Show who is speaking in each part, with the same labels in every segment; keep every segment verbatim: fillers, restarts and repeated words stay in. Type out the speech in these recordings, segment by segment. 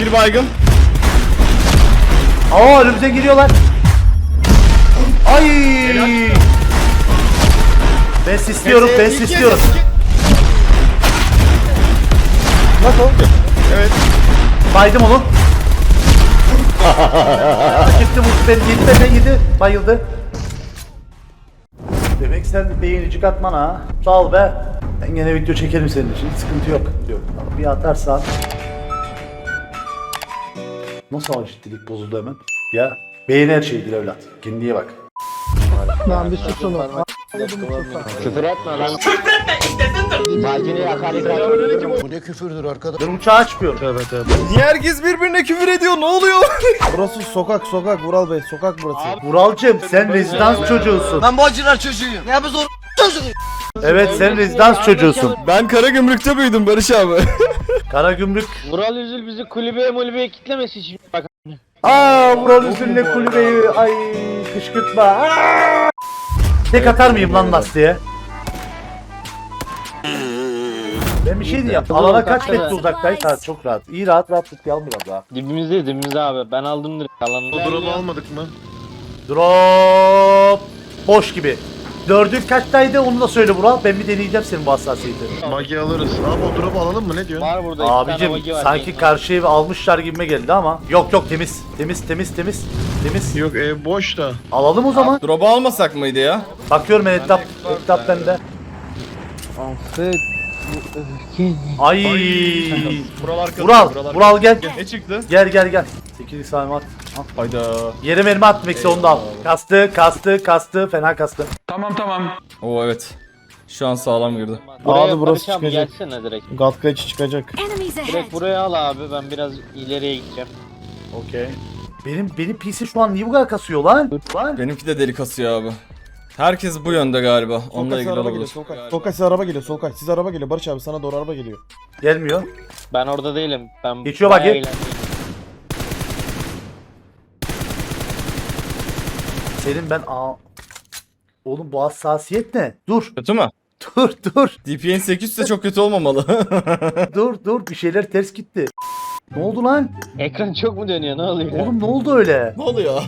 Speaker 1: Bir baygın.
Speaker 2: Aa önümüze giriyorlar. Ay. Ben istiyorum, ben istiyorum. Nasıl?
Speaker 1: Evet.
Speaker 2: Baydım onu. Gitti vurdu beni, yedi benden yedi. Bayıldı. Demek sen beğenicik atman ha. Sağ ol be. Ben gene video çekerim senin için. Hiç sıkıntı yok. Yok. Bir atarsan. Nasıl ciddilik bozuldu hemen? Ya beğen her şeydir evlat. Kendine iyi bak.
Speaker 3: Lan bir sus onu.
Speaker 4: Küfür etme lan. Bacını hakaret
Speaker 3: Bu ne küfürdür arkadaş?
Speaker 2: Ben uçağı açmıyorum.
Speaker 3: Tövbe tövbe.
Speaker 1: Niye herkes birbirine küfür ediyor? Ne oluyor?
Speaker 3: Burası sokak sokak Vural Bey sokak burası.
Speaker 2: Vuralcığım sen rezidans çocuğusun.
Speaker 5: Ben bu acılar çocuğuyum. Ne yapıyorsun? Çocuğuyum.
Speaker 2: Evet sen rezidans çocuğusun.
Speaker 1: Ben Karagümrük'te büyüdüm Barış abi.
Speaker 2: Karagümrük.
Speaker 4: Vural Üzül bizi kulübeye mulübeye kitlemesin şimdi bak.
Speaker 2: Aa Vural Üzül'le kulübeyi ay kışkırtma. Aa! Tek atar mıyım lan lastiğe? Ben bir şey diyeyim. Alana kaç metre uzaktayız? Ha çok rahat. İyi rahat rahat tutayalım biraz daha.
Speaker 4: Dibimizde dibimizde abi. Ben aldım direkt alanı.
Speaker 3: Drop'u almadık mı?
Speaker 2: Drop. Boş gibi. Dördün kaçtaydı onu da söyle Vural. Ben bir deneyeceğim senin bu hassasiyeti.
Speaker 3: Magi alırız. Abi o drop'u alalım mı ne diyorsun?
Speaker 4: Var burada iki tane
Speaker 2: Abicim
Speaker 4: vagi var.
Speaker 2: sanki karşı evi almışlar gibime geldi ama. Yok yok temiz. Temiz temiz temiz. Temiz.
Speaker 3: Yok ev boş da.
Speaker 2: Alalım o zaman.
Speaker 1: Drop'u almasak mıydı ya?
Speaker 2: Bakıyorum ben etap. Etap bende. Ay.
Speaker 1: Buralar arkada.
Speaker 2: Vural. Vural gel.
Speaker 1: Ne çıktı?
Speaker 2: Gel gel gel. sekiz saniye at. Al.
Speaker 1: Hayda.
Speaker 2: Yere mermi at Max'i onu da al. Kastı kastı kastı fena kastı.
Speaker 1: Oo evet. Şu an sağlam girdi.
Speaker 4: Buraya
Speaker 3: Abi burası
Speaker 4: Barış abi
Speaker 3: çıkacak.
Speaker 4: gelsene direkt.
Speaker 3: Gatkaç çıkacak.
Speaker 6: Enemies ahead.
Speaker 4: Direkt buraya al abi. Ben biraz ileriye gideceğim.
Speaker 2: Okey. Benim benim P C şu an niye bu kadar kasıyor lan? Lan.
Speaker 1: Benimki de deli kasıyor abi. Herkes bu yönde galiba. Onunla
Speaker 3: Solkaç
Speaker 1: ilgili
Speaker 3: araba
Speaker 1: olabilir.
Speaker 3: geliyor Solkaç. Solkaç size araba geliyor Solkaç. Siz araba geliyor Barış abi sana doğru araba geliyor.
Speaker 2: Gelmiyor.
Speaker 4: Ben orada değilim. Ben
Speaker 2: Geçiyor
Speaker 4: bayağı
Speaker 2: bagi.
Speaker 4: eğlendim.
Speaker 2: Senin ben aa. Oğlum bu hassasiyet ne? Dur.
Speaker 1: Kötü mü?
Speaker 2: Dur dur.
Speaker 1: D P N sekiz yüz de çok kötü olmamalı.
Speaker 2: Dur dur bir şeyler ters gitti. Ne oldu lan?
Speaker 4: Ekran çok mu dönüyor? Ne oluyor?
Speaker 2: Oğlum ne oldu öyle?
Speaker 1: Ne oluyor?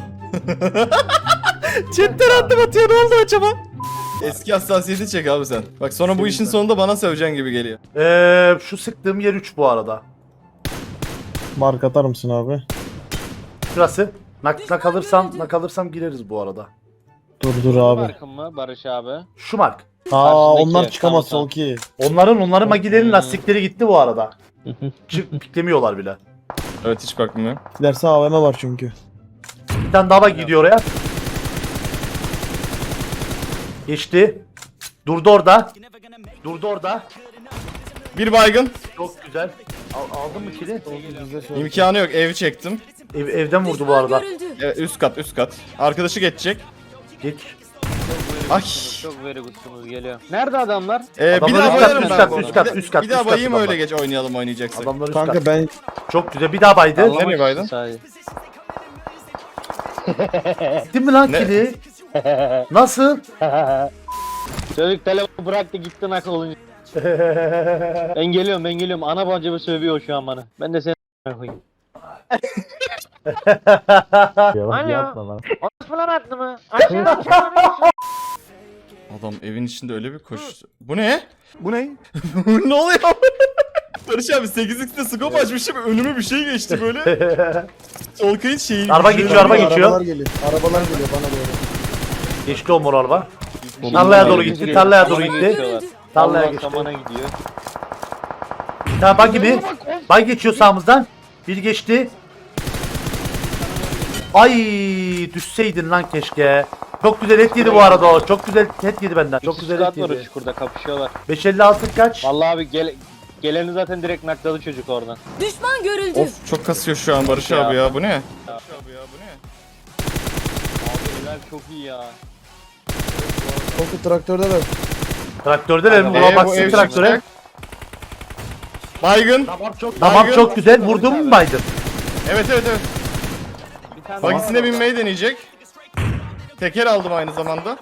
Speaker 1: Chatten attım atıyor ne oldu acaba? Eski hassasiyeti çek abi sen. Bak sonra bu işin sonunda bana söveceksin gibi geliyor.
Speaker 2: Eee şu sıktığım yer üç bu arada.
Speaker 3: Mark atar mısın abi?
Speaker 2: Şurası. Nak, nak alırsam, nak alırsam gireriz bu arada.
Speaker 3: Dur dur abi.
Speaker 4: Markım mı Barış abi?
Speaker 2: Şu mark.
Speaker 3: Aa
Speaker 4: Karşındaki,
Speaker 3: onlar çıkamaz
Speaker 4: tamam,
Speaker 3: Solki.
Speaker 2: Onların onların magilerin
Speaker 4: Hmm.
Speaker 2: lastikleri gitti bu arada. Çık piklemiyorlar bile.
Speaker 1: Evet hiç bakmıyorum.
Speaker 3: Giderse A V M var çünkü.
Speaker 2: Bir tane daha bak gidiyor oraya. Geçti. Durdu orada. Durdu orada.
Speaker 1: Bir baygın.
Speaker 2: Çok güzel. Al, aldın mı kili?
Speaker 1: İmkanı yok evi çektim.
Speaker 2: Ev, evden vurdu bu arada.
Speaker 6: Görüldü.
Speaker 1: Evet, üst kat üst kat. Arkadaşı geçecek.
Speaker 2: Geç.
Speaker 1: Ay.
Speaker 4: Çok very good'sunuz geliyor. Nerede adamlar?
Speaker 1: Ee, bir
Speaker 2: Adamlar
Speaker 1: daha
Speaker 2: üst kat,
Speaker 1: bayarım
Speaker 2: üst
Speaker 1: ben
Speaker 2: kat,
Speaker 1: bu
Speaker 2: üst
Speaker 1: arada.
Speaker 2: kat, üst kat,
Speaker 1: Bir daha
Speaker 2: üst kat
Speaker 1: bayayım öyle
Speaker 2: adamlar.
Speaker 1: geç oynayalım oynayacaksak.
Speaker 2: Adamlar üst
Speaker 3: Kanka
Speaker 2: kat.
Speaker 3: ben
Speaker 2: Çok güzel. Bir daha baydı.
Speaker 1: Allah- Nereye baydın?
Speaker 4: Sadece.
Speaker 2: Değil mi lan
Speaker 1: Ne?
Speaker 2: kili? Nasıl?
Speaker 4: Çocuk telefonu bıraktı gitti nak olunca. Ben geliyorum ben geliyorum. Ana bacımı sövüyor şu an bana. Ben de seni koyayım. Alo. Falan attı mı? Aşağı
Speaker 1: Adam evin içinde öyle bir koştu. Bu ne? Bu ne? Ne oluyor? Barış abi sekiz x'te scope açmışım önüme bir şey geçti böyle. Solkay'ın şeyi.
Speaker 2: Araba geçiyor, araba geçiyor.
Speaker 3: Arabalar geliyor. Arabalar geliyor bana doğru.
Speaker 2: Geçti o mor araba. Tarlaya doğru gitti, tarlaya doğru gitti. Tarlaya
Speaker 4: Allah
Speaker 2: geçti.
Speaker 4: samana gidiyor.
Speaker 2: Bir tane bug gibi. Bug geçiyor sağımızdan. Bir geçti. Ay düşseydin lan keşke. Çok güzel et yedi bu arada o. Çok güzel et yedi benden. Çok güzel et
Speaker 4: Squad var o
Speaker 2: yedi.
Speaker 4: çukurda kapışıyorlar.
Speaker 2: beş elli altı kaç?
Speaker 4: Vallahi abi gel geleni zaten direkt nakladı çocuk oradan.
Speaker 6: Düşman görüldü.
Speaker 1: Of çok kasıyor şu an Barış
Speaker 4: Ya.
Speaker 1: abi ya bu ne?
Speaker 4: Abi eller çok iyi ya.
Speaker 3: Solki traktörde de.
Speaker 2: Traktörde verin.
Speaker 4: Ee,
Speaker 2: Buna
Speaker 1: bu
Speaker 2: baksın
Speaker 1: ev
Speaker 2: traktöre.
Speaker 1: çıkacak. Baygın.
Speaker 2: Tamam
Speaker 1: Baygın.
Speaker 2: çok güzel. Vurdun mu Biden?
Speaker 1: Evet evet evet.
Speaker 4: Bir tane
Speaker 1: Bagisine binmeyi deneyecek. Teker aldım aynı zamanda.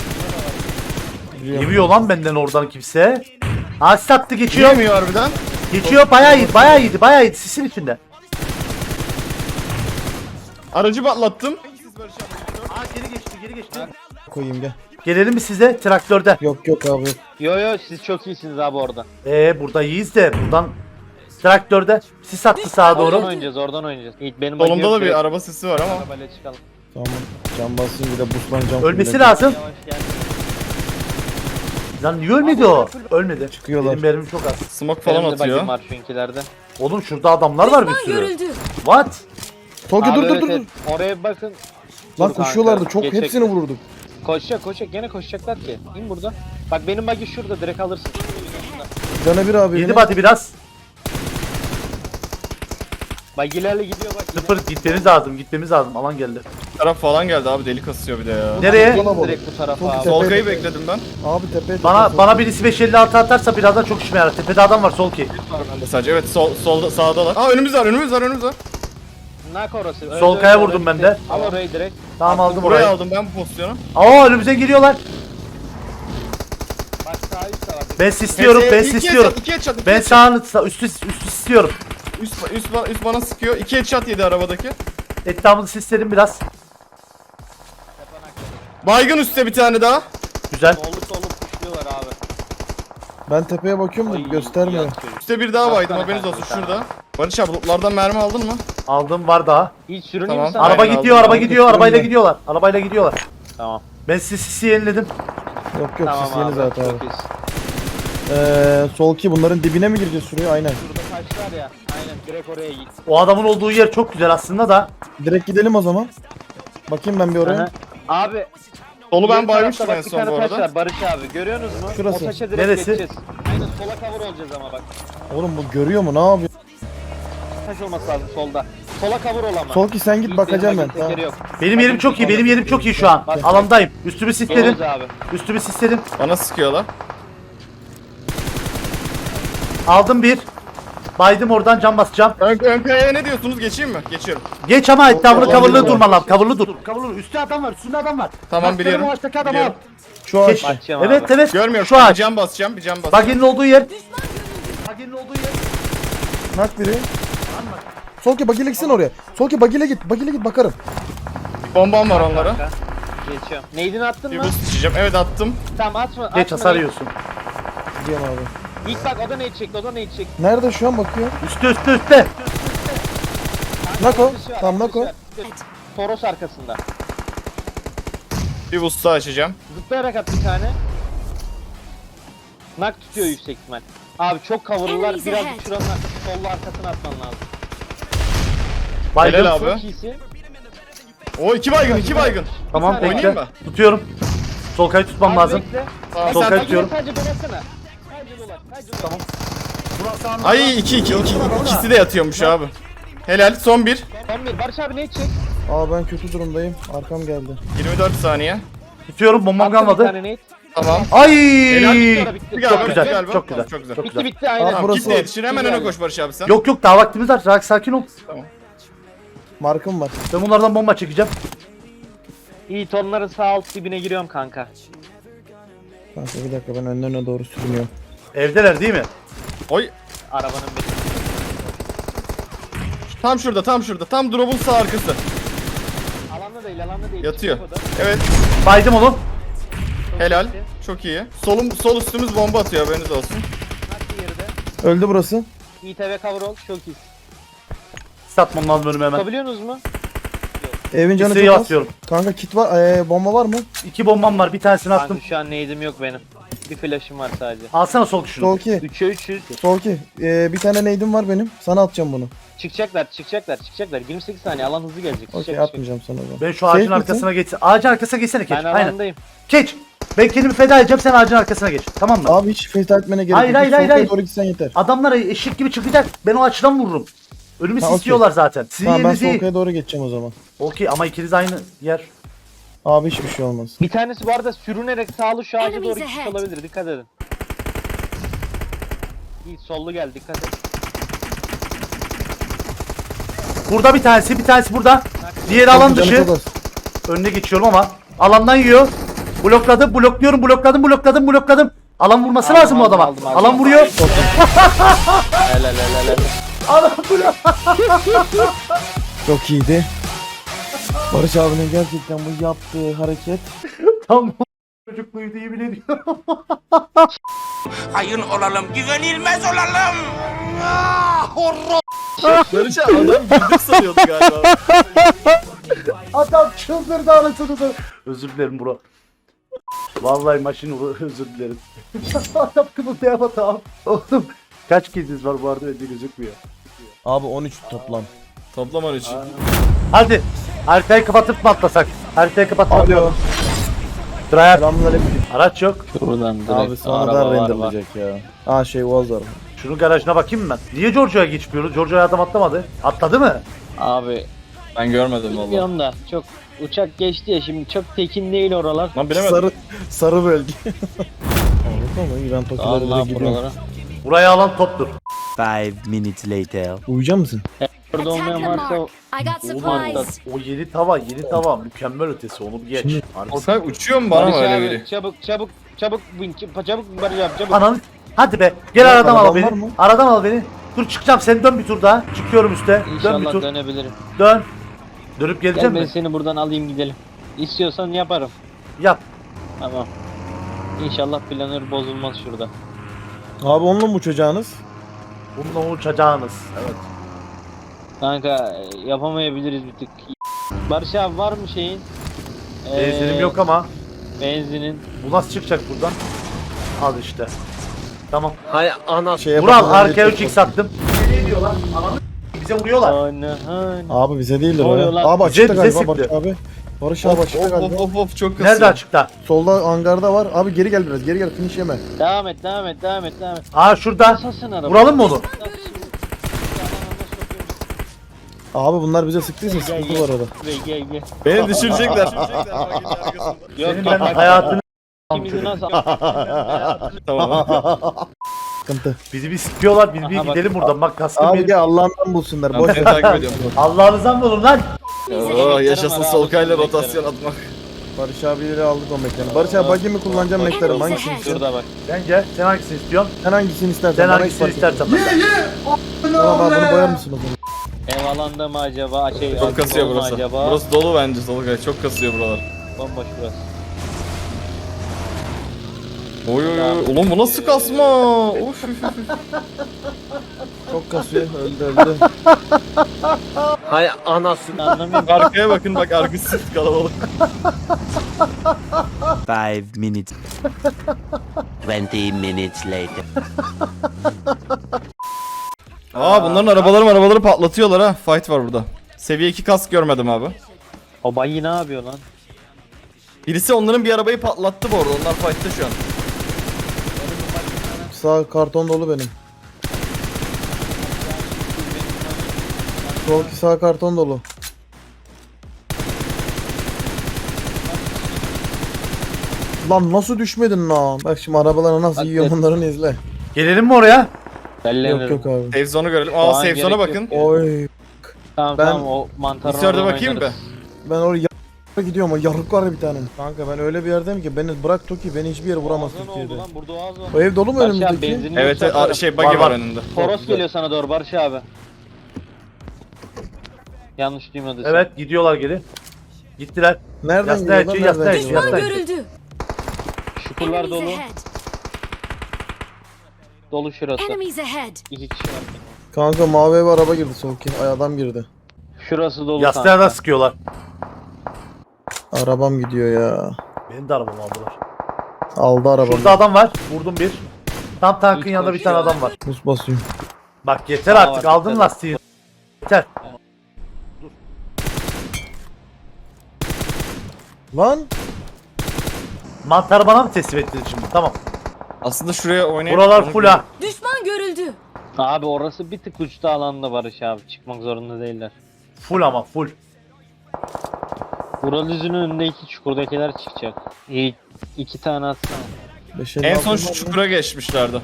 Speaker 2: Yemiyor lan benden oradan kimse. Ha sattı geçiyor.
Speaker 1: Yemiyor harbiden.
Speaker 2: Geçiyor bayağı iyiydi bayağı iyiydi bayağı iyiydi sisin içinde.
Speaker 1: Aracı patlattım.
Speaker 2: Aa geri geçti geri geçti.
Speaker 3: Koyayım gel.
Speaker 2: Gelelim mi size traktörde?
Speaker 3: Yok yok abi yok.
Speaker 4: Yo yo siz çok iyisiniz abi orada.
Speaker 2: Eee burada iyiyiz de buradan traktörde sis attı sağa
Speaker 4: Oradan
Speaker 2: doğru.
Speaker 4: oynayacağız oradan oynayacağız. İlk benim
Speaker 1: Solumda da bir
Speaker 4: direkt
Speaker 1: araba sesi var ama.
Speaker 4: arabayla çıkalım.
Speaker 3: Tamam. Cam basayım bir de buslanacağım.
Speaker 2: Ölmesi
Speaker 3: fulle.
Speaker 2: lazım.
Speaker 4: Yavaş gel.
Speaker 2: Lan niye ölmedi o? Ölmedi.
Speaker 3: Çıkıyorlar.
Speaker 2: Benim mermim çok az.
Speaker 1: Smoke falan
Speaker 4: Benim de
Speaker 1: atıyor.
Speaker 4: bagim var şunkilerde.
Speaker 2: Oğlum şurada adamlar var bir sürü. What?
Speaker 3: Tolga
Speaker 4: Abi
Speaker 3: dur dur
Speaker 4: evet,
Speaker 3: dur. dur.
Speaker 4: evet. Oraya bir bakın.
Speaker 3: Lan
Speaker 4: Dur
Speaker 3: koşuyorlardı
Speaker 4: kanka,
Speaker 3: çok
Speaker 4: geçecek.
Speaker 3: hepsini vururduk.
Speaker 4: Koşacak koşacak gene koşacaklar ki. İn burada. Bak benim bagi şurada direkt alırsın.
Speaker 3: Cana bir abi.
Speaker 2: Yedi
Speaker 3: benim.
Speaker 2: body biraz.
Speaker 4: Bagilerle gidiyor bak.
Speaker 2: Sıfır gitmemiz lazım gitmemiz lazım. Alan geldi.
Speaker 1: Taraf falan geldi abi, deli kasıyor bir de ya.
Speaker 2: Nereye?
Speaker 4: Gelin direkt bu tarafa
Speaker 3: Çok
Speaker 4: abi.
Speaker 3: güzel.
Speaker 1: Solkayı bekledim ben.
Speaker 3: Abi tepeye
Speaker 2: Bana
Speaker 3: tepeye-
Speaker 2: bana birisi beş elli altı atarsa birazdan çok işime yarar. Tepede adam var sol ki.
Speaker 1: Ben de sadece evet sol solda sağdalar. Aa önümüz var önümüz var önümüz var.
Speaker 4: Nak orası. Öyle
Speaker 2: Sol
Speaker 4: öyle
Speaker 2: kaya
Speaker 4: oraya
Speaker 2: vurdum ben
Speaker 4: gitti.
Speaker 2: de.
Speaker 4: Al orayı direkt.
Speaker 2: Tamam aldım
Speaker 1: Buraya
Speaker 2: orayı.
Speaker 1: aldım ben bu pozisyonu.
Speaker 2: Aa önümüze geliyorlar.
Speaker 4: Bak sağ üst taraf.
Speaker 2: Ben istiyorum ben istiyorum.
Speaker 1: İki headshot, iki
Speaker 2: Ben
Speaker 1: headshot.
Speaker 2: sağını sağ, üstü üstü istiyorum.
Speaker 1: Üst, üst, ba- üst bana sıkıyor. İki headshot yedi arabadaki.
Speaker 2: Etrafını sisledim biraz.
Speaker 1: Baygın üstte bir tane daha.
Speaker 2: Güzel.
Speaker 4: Sollu sollu puşluyorlar abi.
Speaker 3: Ben tepeye bakıyorum da
Speaker 4: Ay,
Speaker 3: göstermiyor.
Speaker 4: yatıyor.
Speaker 1: Üstte bir daha baydım,
Speaker 4: Baksana
Speaker 1: haberiniz
Speaker 4: kanka
Speaker 1: olsun
Speaker 4: bir tane.
Speaker 1: şurada. Barış abi lootlardan mermi aldın mı?
Speaker 2: Aldım var daha.
Speaker 4: Hiç sürüneyim
Speaker 1: Tamam.
Speaker 4: mi sana?
Speaker 2: Araba
Speaker 1: Aynen,
Speaker 2: gidiyor
Speaker 1: aldım.
Speaker 2: araba
Speaker 1: Aldım.
Speaker 2: gidiyor arabayla
Speaker 3: Ben.
Speaker 2: gidiyorlar. Arabayla gidiyorlar.
Speaker 4: Tamam.
Speaker 2: Ben sizi sisi yeniledim.
Speaker 3: Yok yok
Speaker 4: Tamam
Speaker 3: siz yeni
Speaker 4: abi.
Speaker 3: zaten abi.
Speaker 4: Çok iyisin.
Speaker 3: Ee, sol ki bunların dibine mi gireceğiz şuraya? Aynen.
Speaker 4: Şurada taş var ya. Aynen direkt oraya git.
Speaker 2: O adamın olduğu yer çok güzel aslında da.
Speaker 3: Direkt gidelim o zaman. Bakayım ben bir
Speaker 4: Aha.
Speaker 3: oraya.
Speaker 4: Abi.
Speaker 1: Solu ben
Speaker 4: diğer
Speaker 1: baymıştım
Speaker 4: tarafta
Speaker 1: en
Speaker 4: bak bir
Speaker 1: son
Speaker 4: tane
Speaker 1: bu
Speaker 4: taş
Speaker 1: arada.
Speaker 4: var Barış abi. Görüyorsunuz mu?
Speaker 3: Şurası.
Speaker 4: O taşa direkt
Speaker 2: Neresi?
Speaker 4: geçeceğiz. Aynen sola cover olacağız ama bak.
Speaker 3: Oğlum bu görüyor mu? Ne yapıyor?
Speaker 4: Taş olması lazım solda. Sola cover ol ama.
Speaker 3: Sol ki sen git
Speaker 4: Yiğit,
Speaker 3: bakacağım
Speaker 4: benim
Speaker 3: ben.
Speaker 4: bagim
Speaker 3: Tamam.
Speaker 4: tekeri yok.
Speaker 2: Benim yerim çok iyi. Benim yerim çok iyi şu an. Alandayım. Üstümü sisledim.
Speaker 4: Yolumuz abi.
Speaker 2: Üstümü sisledim.
Speaker 1: Bana sıkıyorlar.
Speaker 2: Aldım bir. Baydım oradan cam basacağım.
Speaker 1: Ön, ön kayaya ne diyorsunuz? Geçeyim mi? Geçiyorum.
Speaker 2: Geç ama etrafını
Speaker 3: Yok,
Speaker 2: coverlı
Speaker 3: yok.
Speaker 2: durma lan. Coverlı dur. Coverlı. Üstte adam var. Üstünde adam var.
Speaker 1: Tamam,
Speaker 2: Bak,
Speaker 1: biliyorum,
Speaker 2: benim o ağaçtaki adamı al.
Speaker 1: biliyorum.
Speaker 3: Şu
Speaker 2: Geç.
Speaker 3: ağaç.
Speaker 4: Bakacağım
Speaker 2: Evet
Speaker 4: abi.
Speaker 2: evet.
Speaker 1: Görmüyorum.
Speaker 2: Şu
Speaker 1: Bir
Speaker 2: ağaç.
Speaker 1: cam basacağım, bir cam basacağım.
Speaker 2: Baginin olduğu yer. Baginin olduğu yer.
Speaker 3: Nak biri. Sol ki bagile gitsin oraya. Sol ki bagile git. Bagile git bakarım.
Speaker 1: Bombam var onlara.
Speaker 4: Kanka. Geçiyorum. Neydini attın
Speaker 1: Bir
Speaker 4: mı?
Speaker 1: boost içeceğim. Evet attım.
Speaker 4: Tamam atma.
Speaker 2: Geç
Speaker 4: atma
Speaker 2: hasar
Speaker 4: neyi.
Speaker 2: yiyorsun.
Speaker 3: Gidiyorum abi.
Speaker 4: İlk bak o da neyi çekti o da neyi çekti.
Speaker 3: Nerede şu an bakıyor?
Speaker 2: Üstte üstte üstte.
Speaker 3: Nako.
Speaker 4: Atışı var,
Speaker 3: Tamam
Speaker 4: atışı
Speaker 3: Nako.
Speaker 4: var. Toros arkasında.
Speaker 1: Bir boost daha açacağım.
Speaker 4: Zıplayarak at bir tane. Nak tutuyor yüksek ihtimal. Abi çok cover'lılar.
Speaker 6: Enemies
Speaker 4: Birazcık
Speaker 6: ahead.
Speaker 4: şuranın arkası sollu arkasına atman lazım.
Speaker 2: Baydım.
Speaker 1: Helal abi.
Speaker 4: Çok iyisi.
Speaker 1: O iki baygın, iki baygın.
Speaker 2: Tamam
Speaker 4: Bir tane
Speaker 2: bekle.
Speaker 1: oynayayım
Speaker 2: Tutuyorum. Sol kayı tutmam
Speaker 4: Abi
Speaker 2: lazım.
Speaker 4: bekle.
Speaker 1: Tamam,
Speaker 2: Sol
Speaker 1: sen-
Speaker 2: kayı
Speaker 4: Sadece
Speaker 2: tutuyorum.
Speaker 4: sadece dolasana. Sadece dolar. Sadece dolar. Tamam.
Speaker 1: Ay iki iki iki ikisi de yatıyormuş abi. Helal, son bir.
Speaker 4: Son bir. Barış abi ne çek?
Speaker 3: Aa ben kötü durumdayım. Arkam geldi.
Speaker 1: yirmi dört saniye.
Speaker 2: Tutuyorum bombam
Speaker 4: Attım bir
Speaker 2: kalmadı.
Speaker 4: tane nate.
Speaker 1: Tamam.
Speaker 2: Ay!
Speaker 1: Helal,
Speaker 4: Bitti, bitti.
Speaker 1: Galiba,
Speaker 2: Çok güzel,
Speaker 1: galiba.
Speaker 2: çok güzel.
Speaker 1: Çok güzel.
Speaker 2: Çok
Speaker 4: Bitti
Speaker 2: güzel.
Speaker 4: bitti aynen.
Speaker 3: Aa,
Speaker 1: Tamam,
Speaker 3: burası
Speaker 1: git de yetişin, hemen
Speaker 4: Güzel.
Speaker 1: öne koş Barış abi sen.
Speaker 2: Yok yok daha vaktimiz var. Sakin, sakin ol.
Speaker 3: Markım var.
Speaker 2: Ben bunlardan bomba çekeceğim.
Speaker 4: İyi tonların sağ alt dibine giriyorum kanka.
Speaker 3: Kanka bir dakika ben önlerine doğru sürünüyorum.
Speaker 2: Evdeler değil mi?
Speaker 1: Oy.
Speaker 4: Arabanın bir.
Speaker 1: Tam şurada, tam şurada. Tam drop'un sağ arkası.
Speaker 4: Alanda değil alanda değil.
Speaker 1: Yatıyor.
Speaker 4: Çıkacak o da.
Speaker 1: Evet.
Speaker 2: Baydım onu.
Speaker 1: Helal. Çok iyi. Solum sol üstümüz bomba atıyor, haberiniz olsun.
Speaker 4: Nak bir geride.
Speaker 3: Öldü burası.
Speaker 4: İ T V cover ol. Çok iyi.
Speaker 2: Satmam lazım önüme hemen.
Speaker 4: Tutabiliyorsunuz mu?
Speaker 3: Evin canı
Speaker 2: Listeyi
Speaker 3: çok az.
Speaker 2: atıyorum.
Speaker 3: Kanka kit var. Ee, bomba var mı?
Speaker 2: İki bombam var. Bir tanesini attım.
Speaker 4: Kanka şu an nade'im yok benim. Bir flash'ım var sadece.
Speaker 2: Alsana sol tuşunu.
Speaker 3: Sol ki.
Speaker 4: üçe üç yüz.
Speaker 3: Sol ki. Ee, bir tane neydim var benim. Sana atacağım bunu.
Speaker 4: Çıkacaklar çıkacaklar çıkacaklar. yirmi sekiz saniye alan hızlı gelecek.
Speaker 3: Okey
Speaker 4: Çıkacak,
Speaker 3: atmayacağım sana o zaman.
Speaker 2: Ben şu ağacın
Speaker 3: Safe misin?
Speaker 2: arkasına geçsin. Ağacın arkasına geçsene Keç.
Speaker 4: Ben
Speaker 2: Aynen.
Speaker 4: alandayım.
Speaker 2: Keç. Ben kendimi feda edeceğim. Sen ağacın arkasına geç. Tamam mı?
Speaker 3: Abi hiç fake etmene gerek
Speaker 2: Hayır,
Speaker 3: yok.
Speaker 2: hayır,
Speaker 3: Hiç
Speaker 2: hayır,
Speaker 3: solkaya
Speaker 2: hayır.
Speaker 3: doğru gitsen yeter.
Speaker 2: Adamlar eşek gibi çıkacak. Ben o açıdan vururum. Önümü
Speaker 3: Ha, okey.
Speaker 2: sisliyorlar zaten. Sizin
Speaker 3: Tamam ben
Speaker 2: yeriniz iyi.
Speaker 3: solkaya doğru geçeceğim o zaman.
Speaker 2: Okey ama ikiniz aynı yer.
Speaker 3: Abi hiçbir şey olmaz.
Speaker 4: Bir tanesi bu arada sürünerek sağlı şu ağaca
Speaker 6: Enemies
Speaker 4: doğru gitmiş
Speaker 6: ahead.
Speaker 4: olabilir. Dikkat edin. İyi sollu geldi dikkat et.
Speaker 2: Burada bir tanesi, bir tanesi burada. Diğeri alan
Speaker 3: Canı
Speaker 2: dışı.
Speaker 3: çok az.
Speaker 2: Önüne geçiyorum ama alandan yiyor. Blokladım, blokluyorum, blokladım, blokladım, blokladım. Alan vurması
Speaker 4: Aldım,
Speaker 2: lazım bu
Speaker 4: aldım,
Speaker 2: adama.
Speaker 4: aldım, aldım.
Speaker 2: Alan vuruyor.
Speaker 4: Helal helal helal.
Speaker 2: Alan vuruyor.
Speaker 3: Çok iyiydi. Barış abinin gerçekten bu yaptığı hareket.
Speaker 2: Tam çocukluğuydu yemin ediyorum.
Speaker 5: Hayır olalım, güvenilmez olalım.
Speaker 1: Barış abi adam bildik sanıyordu galiba.
Speaker 2: Adam çıldırdı anasını da. Özür dilerim bro. Vallahi maşin özür dilerim. Adam kımıldayamadı abi. Oğlum kaç kediniz var bu arada bende gözükmüyor.
Speaker 3: Abi on üç toplam.
Speaker 1: Toplam on üç.
Speaker 2: Hadi haritayı kapatıp mı atlasak? Haritayı kapatıp
Speaker 3: Alo.
Speaker 2: atlayalım. Drive.
Speaker 3: Selamünaleyküm.
Speaker 2: Araç yok.
Speaker 4: Şuradan direkt
Speaker 3: Abi sonradan
Speaker 4: araba var, var.
Speaker 3: renderlayacak ya. Aa şey Uaz var.
Speaker 2: Şunun garajına bakayım mı ben? Niye Giorgio'ya geçmiyoruz? Giorgio'ya adam atlamadı. Atladı mı?
Speaker 4: Abi
Speaker 1: Ben görmedim valla.
Speaker 4: bilmiyorum da çok uçak geçti ya şimdi çok tekin değil oralar.
Speaker 1: Lan bilemedim.
Speaker 3: Sarı sarı bölge. Anladın mı? İran tokileri
Speaker 4: Allah
Speaker 3: direkt gidiyor.
Speaker 4: buralara.
Speaker 2: Buraya alan toptur.
Speaker 6: Five minutes later.
Speaker 3: Uyuyacak mısın?
Speaker 4: Burada olmayan
Speaker 7: Attack the
Speaker 4: varsa
Speaker 7: mark. I got supplies.
Speaker 2: O yeni tava, yeni tava mükemmel ötesi onu bir geç.
Speaker 3: Şimdi-
Speaker 2: Harbi.
Speaker 1: Orkay uçuyor mu bana mı
Speaker 4: Barış
Speaker 1: öyle
Speaker 4: abi,
Speaker 1: biri?
Speaker 4: çabuk çabuk çabuk bin çabuk çabuk Barış abi çabuk.
Speaker 2: Ananı hadi be gel
Speaker 3: Ya,
Speaker 2: aradan al
Speaker 3: araban var
Speaker 2: beni.
Speaker 3: mı?
Speaker 2: Aradan al beni. Dur çıkacağım sen dön bir tur daha. Çıkıyorum üste. Dön bir
Speaker 4: İnşallah
Speaker 2: tur.
Speaker 4: dönebilirim.
Speaker 2: Dön. Dönüp
Speaker 4: Gel
Speaker 2: geleceğim
Speaker 4: ben
Speaker 2: mi?
Speaker 4: seni buradan alayım gidelim. İstiyorsan yaparım.
Speaker 2: Yap.
Speaker 4: Tamam. İnşallah planör bozulmaz şurada.
Speaker 3: Abi onunla mı uçacağınız?
Speaker 2: Bununla uçacağınız. Evet.
Speaker 4: Kanka e, yapamayabiliriz bir tık. Barış abi var mı şeyin?
Speaker 2: Benzinim
Speaker 4: Ee,
Speaker 2: yok ama.
Speaker 4: Benzinin.
Speaker 2: Bu nasıl çıkacak buradan? Al işte. Tamam.
Speaker 5: Hay ana.
Speaker 3: Şey
Speaker 2: Vural
Speaker 3: yapalım,
Speaker 2: arkaya
Speaker 3: önce-
Speaker 2: üç x attım. Ne diyorlar? Ananı bize vuruyorlar.
Speaker 4: Ana hani.
Speaker 3: Abi bize değildir
Speaker 4: Ne
Speaker 3: o
Speaker 4: oluyor
Speaker 3: ya.
Speaker 4: lan?
Speaker 3: Abi
Speaker 2: Bize-
Speaker 3: açıkta
Speaker 2: bize
Speaker 3: galiba
Speaker 2: sıktı.
Speaker 3: Barış abi. Barış abi
Speaker 1: Of
Speaker 3: açıkta
Speaker 1: of
Speaker 3: galiba.
Speaker 1: of of of çok kasıyor.
Speaker 2: Nerede açıkta?
Speaker 3: Solda hangarda var. Abi geri gel biraz. Geri gel finish yeme.
Speaker 4: Devam et devam et devam et devam et.
Speaker 2: Aa şurada.
Speaker 4: Nasılsın araba?
Speaker 2: Vuralım mı onu?
Speaker 3: Abi bunlar bize sıktıysa sıkıntı var orada.
Speaker 4: Gel gel gel.
Speaker 1: Beni düşürecekler.
Speaker 4: Yok
Speaker 2: Senin
Speaker 4: bak,
Speaker 2: ben
Speaker 4: bak,
Speaker 2: hayatını
Speaker 4: ikimizi nasıl
Speaker 1: Tamam.
Speaker 3: Sıkıntı.
Speaker 2: bizi bir sıkıyorlar biz bir
Speaker 4: Aha, bak.
Speaker 2: gidelim buradan bak kaskım
Speaker 3: Abi
Speaker 2: benim.
Speaker 3: gel Allah'ından bulsunlar.
Speaker 1: Ben
Speaker 3: Boş
Speaker 1: seni
Speaker 3: ver.
Speaker 1: takip ediyorum.
Speaker 2: Allah'ınızdan bulun lan.
Speaker 1: Oo, yaşasın Solkay'la rotasyon atmak.
Speaker 3: Barış abileri aldık o mekanı. Barış abi buggy mi kullanacağım mektarım? Hangisini istiyorsun?
Speaker 4: Şurada bak.
Speaker 2: Bence sen hangisini istiyorsun?
Speaker 3: Sen hangisini istersen.
Speaker 2: Sen
Speaker 3: bana
Speaker 2: hangisini
Speaker 3: hiç fark etmez.
Speaker 2: istersen ben.
Speaker 3: Tamam abi bunu boyar mısın o zaman?
Speaker 4: Ev alanda mı acaba? Şey,
Speaker 1: Çok kasıyor
Speaker 4: dolu mu
Speaker 1: burası.
Speaker 4: acaba?
Speaker 1: Burası dolu bence Solkay. Çok kasıyor buralar.
Speaker 4: Bomboş burası.
Speaker 1: Oy oy oy. Ulan bu nasıl kasma? Of.
Speaker 3: Çok kasıyor. Öldü öldü.
Speaker 5: Hay anasını.
Speaker 4: Anlamıyorum.
Speaker 1: Arkaya bakın bak arkası kalabalık.
Speaker 6: Five minutes. Twenty minutes later.
Speaker 1: Aa bunların arabaları arabaları patlatıyorlar ha. Fight var burada. Seviye iki kask görmedim abi.
Speaker 4: O bayi ne yapıyor lan?
Speaker 1: Birisi onların bir arabayı patlattı bu arada. Onlar fight'ta şu an.
Speaker 3: Sağ karton dolu benim. Sol ki sağ karton dolu. Lan nasıl düşmedin lan? Bak şimdi arabaları nasıl
Speaker 4: Bak,
Speaker 3: yiyor
Speaker 4: evet.
Speaker 3: bunların izle.
Speaker 2: Gelelim mi oraya?
Speaker 4: Bellenirim.
Speaker 3: Yok yok abi.
Speaker 1: Save zone'u görelim.
Speaker 4: Şu
Speaker 1: Aa
Speaker 4: an
Speaker 1: save zone'a
Speaker 4: gerek
Speaker 1: bakın.
Speaker 4: yok.
Speaker 3: Oy.
Speaker 4: Tamam
Speaker 3: Ben-
Speaker 4: tamam o mantarı
Speaker 1: Discord'a bakayım be.
Speaker 3: Ben oraya y- gidiyorum. O yarık var ya bir tane. Kanka ben öyle bir yerdeyim ki beni bırak Toki beni hiçbir yere vuramaz
Speaker 4: Ağzı ne
Speaker 3: Türkiye'de.
Speaker 4: oldu lan? Burada ağız var.
Speaker 3: O ev dolu mu
Speaker 4: Barış abi
Speaker 3: önümüzdeki?
Speaker 4: benzinli
Speaker 1: Evet
Speaker 4: yoksa
Speaker 1: a-
Speaker 4: atarım.
Speaker 1: şey buggy
Speaker 2: Var,
Speaker 1: var,
Speaker 2: var.
Speaker 1: önünde.
Speaker 4: Toros geliyor sana doğru Barış abi. Yanlış duymadın.
Speaker 2: Evet gidiyorlar geri. Gittiler.
Speaker 3: Nereden
Speaker 2: Yastığa
Speaker 3: gidiyor lan?
Speaker 2: yatıyor, yastığa
Speaker 3: Nereden
Speaker 2: yatıyor,
Speaker 3: gidiyor?
Speaker 2: yastığa
Speaker 7: Düşman
Speaker 2: yatıyor.
Speaker 7: görüldü.
Speaker 4: Şukurlar
Speaker 7: Enemies
Speaker 4: dolu.
Speaker 7: ahead.
Speaker 4: Dolu şurası.
Speaker 7: Enemies ahead.
Speaker 4: İki kişi var.
Speaker 3: Kanka mavi eve araba girdi Soğuk. Ay adam girdi.
Speaker 4: Şurası dolu
Speaker 2: Yastığa
Speaker 4: kanka.
Speaker 2: da sıkıyorlar.
Speaker 3: Arabam gidiyor ya.
Speaker 2: Benim de arabamı aldılar.
Speaker 3: Aldı arabamı.
Speaker 2: Şurada adam var. Vurdum bir. Tam tankın
Speaker 4: Üç
Speaker 2: yanında bir tane
Speaker 4: koşuyor.
Speaker 2: adam var.
Speaker 3: Buz basıyorum.
Speaker 2: Bak yeter
Speaker 4: Tamam,
Speaker 2: artık
Speaker 4: var,
Speaker 2: aldın
Speaker 4: yeter.
Speaker 2: lastiği. Yeter.
Speaker 3: Lan
Speaker 2: Mantarı bana mı teslim ettin şimdi? Tamam.
Speaker 1: Aslında şuraya oynayıp...
Speaker 2: Buralar
Speaker 1: onu-
Speaker 2: full ha.
Speaker 7: Düşman görüldü.
Speaker 4: Abi orası bir tık uçta alanda Barış abi. Çıkmak zorunda değiller.
Speaker 2: Full ama full.
Speaker 4: Ural yüzünün önündeki çukurdakiler çıkacak. İyi, iki tane atsana.
Speaker 3: beş
Speaker 1: En son şu çukura geçmişlerdi.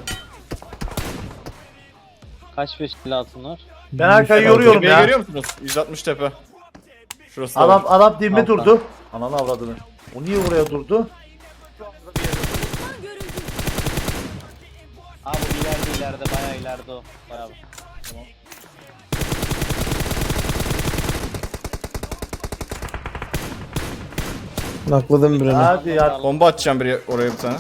Speaker 4: Kaç beş kilo altın var?
Speaker 2: Ben arkayı yoruyorum
Speaker 1: Tepeyi
Speaker 2: ya.
Speaker 1: görüyor musunuz? yüz altmış tepe. Şurası da
Speaker 2: Adam
Speaker 1: var.
Speaker 2: adam dibime
Speaker 4: Alttan.
Speaker 2: durdu. Ananı avradını. O niye oraya durdu?
Speaker 7: Düşman görüldü.
Speaker 4: ileride bayağı ileride o. Bayağı. Tamam.
Speaker 3: Nakladım birini.
Speaker 2: Hadi ya.
Speaker 1: Bomba atacağım biri oraya bir tane.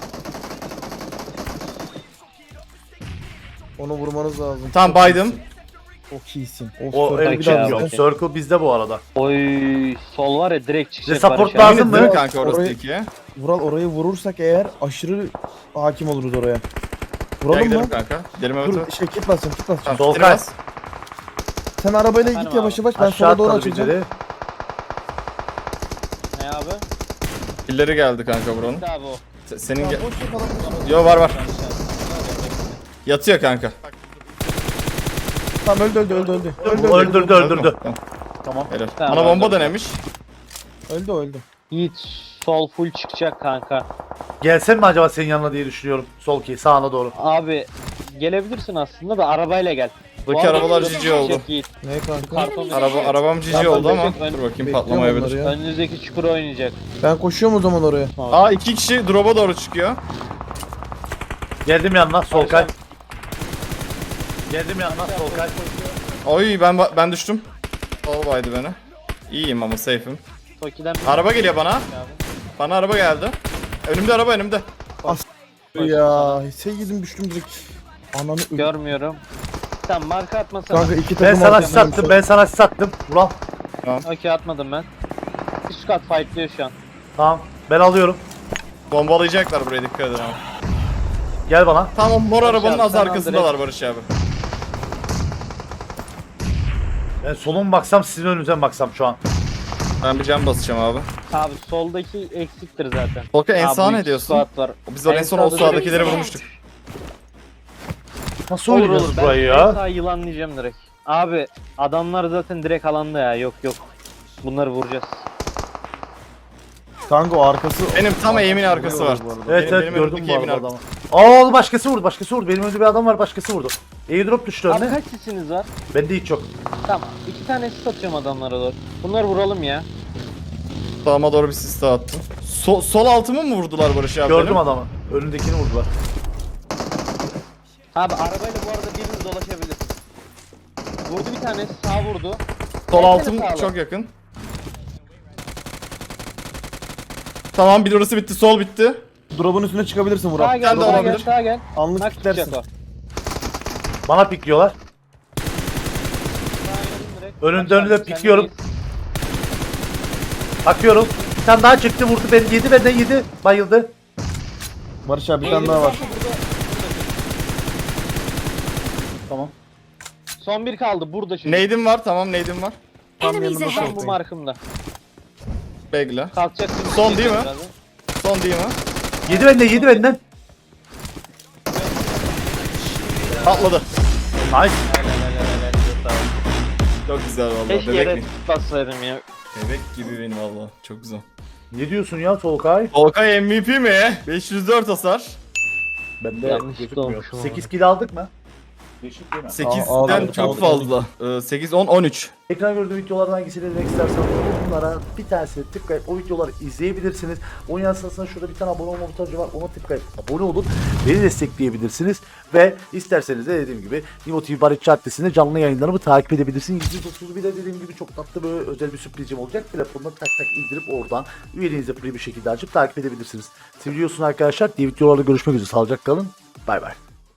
Speaker 3: Onu vurmanız lazım.
Speaker 1: Tamam baydım.
Speaker 3: Çok iyisin.
Speaker 2: O
Speaker 3: Circle
Speaker 2: el
Speaker 3: bir daha
Speaker 4: ya.
Speaker 3: bize.
Speaker 2: Circle bizde bu arada.
Speaker 4: Oy sol var ya direkt
Speaker 2: Size
Speaker 4: çıkacak.
Speaker 2: support
Speaker 4: Barış abi.
Speaker 2: lazım
Speaker 1: Emin
Speaker 2: mı?
Speaker 1: değil mi kanka orası
Speaker 3: Orayı-
Speaker 1: ikiye?
Speaker 3: Vural orayı vurursak eğer aşırı hakim oluruz oraya.
Speaker 1: Gel
Speaker 3: Vuralım
Speaker 1: gidelim
Speaker 3: mı?
Speaker 1: kanka. Gidelim evet
Speaker 3: Dur
Speaker 1: evet.
Speaker 3: şey kit basacağım kit basacağım.
Speaker 1: Tamam,
Speaker 2: Solkay.
Speaker 1: bas.
Speaker 3: Sen arabayla
Speaker 4: Efendim
Speaker 3: git yavaş
Speaker 4: abi.
Speaker 3: yavaş ben
Speaker 2: Aşağı
Speaker 3: sola doğru
Speaker 2: atladı
Speaker 3: açacağım.
Speaker 2: birileri.
Speaker 4: Ne abi?
Speaker 1: Pilleri geldi kanka buranın.
Speaker 4: Bitti abi o.
Speaker 1: Se- Senin
Speaker 3: Ya
Speaker 1: ge-
Speaker 3: boş ver falan.
Speaker 1: Yo var var. Yatıyor kanka.
Speaker 3: Tamam öldü öldü öldü öldü. Öldü
Speaker 2: Bu
Speaker 3: öldü.
Speaker 2: öldürdü öldürdü.
Speaker 1: Tamam.
Speaker 2: Tamam.
Speaker 1: Helal.
Speaker 4: Tamam,
Speaker 1: Bana bomba
Speaker 4: öldürdü.
Speaker 1: denemiş.
Speaker 3: Öldü öldü.
Speaker 4: Yiğit sol full çıkacak kanka.
Speaker 2: Gelsen mi acaba senin yanına diye düşünüyorum. Sol ki sağına doğru.
Speaker 4: Abi gelebilirsin aslında da arabayla gel. Bu
Speaker 1: Buradaki
Speaker 4: arada
Speaker 1: arabalar
Speaker 4: şurada
Speaker 1: cici oldu.
Speaker 4: çıkacak Yiğit.
Speaker 3: Ne kanka?
Speaker 4: Karton
Speaker 1: Araba arabam cici
Speaker 3: Ben
Speaker 1: oldu ama
Speaker 4: bekliyorum,
Speaker 1: dur bakayım
Speaker 3: Bekliyorum
Speaker 1: patlamayabilir.
Speaker 3: onları ya.
Speaker 4: Önünüzdeki çukur oynayacak.
Speaker 3: Ben koşuyorum o zaman oraya.
Speaker 1: Aa iki kişi drop'a doğru çıkıyor.
Speaker 2: Geldim yanına Solkay. Geldim yanına Solkay.
Speaker 1: Oy ben ben düştüm. Sol baydı beni. İyiyim ama safe'im.
Speaker 4: Toki'den bir
Speaker 1: Araba geliyor bana.
Speaker 4: abi.
Speaker 1: Bana araba geldi. Önümde araba önümde.
Speaker 3: Ya sevgilim düştüm direkt. Ananı ö-
Speaker 4: Görmüyorum. Tamam marka atmasana.
Speaker 3: Kanka iki
Speaker 2: Ben
Speaker 3: takım
Speaker 2: sana
Speaker 3: arkadan
Speaker 2: sattım
Speaker 3: düşüyor.
Speaker 2: ben sana sattım. Ulan.
Speaker 4: Okey atmadım ben. Üst kat fightlıyor şu an.
Speaker 2: Tamam ben alıyorum.
Speaker 1: Bombalayacaklar buraya dikkat edin abi.
Speaker 2: Gel bana.
Speaker 1: Tamam mor arabanın
Speaker 4: abi,
Speaker 1: az
Speaker 4: sen al
Speaker 1: arkasındalar Barış abi.
Speaker 2: Ben solun baksam sizin önünüze mi baksam şu an.
Speaker 1: Ben bir cam basacağım abi.
Speaker 4: Abi soldaki eksiktir zaten.
Speaker 1: Volkan en
Speaker 4: Abi,
Speaker 1: sağa
Speaker 4: bu
Speaker 1: ne
Speaker 4: iki
Speaker 1: diyorsun?
Speaker 4: squad var.
Speaker 1: Biz oraya en son o
Speaker 4: sağda
Speaker 1: sağdakileri
Speaker 4: direkt-
Speaker 1: vurmuştuk.
Speaker 2: Nasıl
Speaker 4: Olur
Speaker 2: oynayacağız
Speaker 4: olur. Ben
Speaker 2: burayı
Speaker 4: en
Speaker 2: ya?
Speaker 4: sağ yılanlayacağım direkt. Abi adamlar zaten direkt alanda ya. Yok yok. Bunları vuracağız.
Speaker 3: Kanka o arkası.
Speaker 1: Benim tam eğimin arkası var.
Speaker 3: Bu arada.
Speaker 2: Evet
Speaker 1: Benim-
Speaker 2: evet
Speaker 1: benim
Speaker 2: gördüm
Speaker 1: önümdeki
Speaker 2: bu
Speaker 1: evimin
Speaker 2: arada
Speaker 1: arkası.
Speaker 2: adamı. Aa başkası vurdu başkası vurdu. Benim önümde bir adam var başkası vurdu. Airdrop düştü
Speaker 4: Abi
Speaker 2: önüne.
Speaker 4: kaç sisiniz var?
Speaker 2: Bende hiç yok.
Speaker 4: Tamam. İki tane sis atıyorum adamlara doğru. Bunları vuralım ya.
Speaker 1: Sağıma doğru bir sis daha attım. So- sol altımı mı vurdular Barış abi
Speaker 2: Gördüm
Speaker 1: benim?
Speaker 2: adamı. Önündekini vurdular.
Speaker 4: Abi arabayla bu arada biriniz dolaşabilir. Vurdu bir tane sağ vurdu.
Speaker 1: Sol
Speaker 4: Versene
Speaker 1: altım
Speaker 4: sağlı.
Speaker 1: çok yakın. Tamam bir orası bitti sol bitti.
Speaker 3: Drop'un üstüne çıkabilirsin
Speaker 4: Sağa
Speaker 3: Vural.
Speaker 4: gel,
Speaker 1: Sen de
Speaker 4: sağa gel,
Speaker 1: olabilir.
Speaker 4: sağa gel.
Speaker 3: Anlık
Speaker 4: Bak
Speaker 3: kitlersin.
Speaker 4: çıkacak o.
Speaker 2: Bana pikliyorlar.
Speaker 4: Sağa gidelim direkt.
Speaker 2: Önünde,
Speaker 4: Bak,
Speaker 2: önünde
Speaker 4: sen
Speaker 2: pikliyorum.
Speaker 4: iyisin.
Speaker 2: Bakıyorum. Bir tane daha çıktı vurdu beni yedi benden yedi. Bayıldı.
Speaker 3: Barış abi bir tane daha var.
Speaker 2: Tamam.
Speaker 4: Son bir kaldı burada şimdi.
Speaker 1: Neydim var tamam neydim var.
Speaker 3: Tam
Speaker 7: Enemies
Speaker 3: yanında
Speaker 7: ahead.
Speaker 4: Tam bu markımda.
Speaker 1: Bekle.
Speaker 4: Kalkacaksın.
Speaker 1: Son değil mi?
Speaker 4: birazdan.
Speaker 1: Son değil mi?
Speaker 2: Yedi benden yedi benden.
Speaker 1: Patladı.
Speaker 2: Nice.
Speaker 4: Helal, helal, helal, helal. Sağ ol.
Speaker 1: Çok güzel vallahi.
Speaker 4: Keşke
Speaker 1: Bebek
Speaker 4: yere
Speaker 1: mi?
Speaker 4: bassaydım ya.
Speaker 1: Bebek gibi benim valla. Çok güzel.
Speaker 2: Ne diyorsun ya Solkay?
Speaker 1: Volkay M V P mi? beş yüz dört hasar.
Speaker 2: Bende
Speaker 4: Yanlış
Speaker 2: gözükmüyor.
Speaker 4: olmuşum ama.
Speaker 2: sekiz kill aldık mı? Değişik değil mi?
Speaker 1: sekizden
Speaker 3: Aa,
Speaker 1: çok
Speaker 3: aa,
Speaker 1: fazla. Ee, sekiz, on, on üç.
Speaker 2: Ekran gördüğü videolardan hangisini izlemek isterseniz bunlara bir tanesini tıklayıp o videoları izleyebilirsiniz. Onun yanı sırasında şurada bir tane abone olma butonu var. Ona tıklayıp abone olun. Beni destekleyebilirsiniz. Ve isterseniz de dediğim gibi Nimo T V Barış Caddesi'nde canlı yayınlarımı takip edebilirsiniz. yüz otuz bir de dediğim gibi çok tatlı böyle özel bir sürprizim olacak. Telefonuna tak tak indirip oradan üyeliğinizi free bir şekilde açıp takip edebilirsiniz. Seviyorsun arkadaşlar. Diğer videolarda görüşmek üzere. Sağlıcakla kalın. Bay bay.